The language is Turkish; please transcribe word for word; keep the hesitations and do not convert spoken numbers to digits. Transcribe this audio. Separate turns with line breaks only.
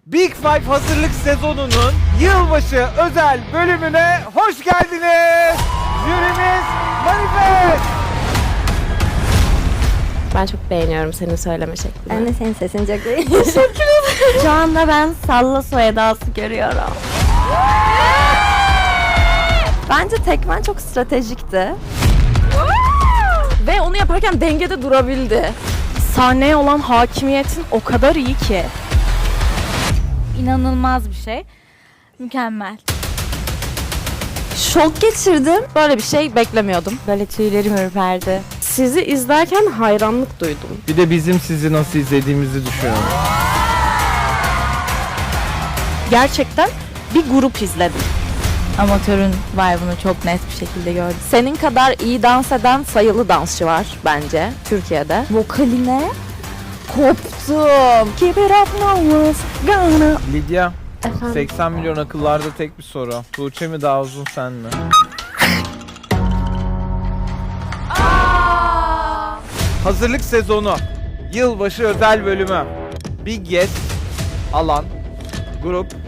Big Five hazırlık sezonunun yılbaşı özel bölümüne hoş geldiniz. Jürimiz Manifest.
Ben çok beğeniyorum senin söyleme şeklini.
Ben de senin sesini çok beğendim.
Teşekkür ederim. Şu anda ben Salla Soyadası görüyorum.
Bence tekmen çok stratejikti.
Ve onu yaparken dengede durabildi.
Sahneye olan hakimiyetin o kadar iyi ki.
İnanılmaz bir şey. Mükemmel.
Şok geçirdim. Böyle bir şey beklemiyordum. Böyle tüylerim ürperdi. Sizi izlerken hayranlık duydum.
Bir de bizim sizi nasıl izlediğimizi düşünün.
Gerçekten bir grup izledim.
Amatörün vibe'ını çok net bir şekilde gördüm.
Senin kadar iyi dans eden sayılı dansçı var bence Türkiye'de.
Vokaline
Koptum.
Keep it up now, gonna.
Lidya,
Efendim?
seksen milyon akıllarda tek bir soru. Tuğçe mi daha uzun, sen mi? Hazırlık sezonu, yılbaşı özel bölümü. Big Yes, Alan, grup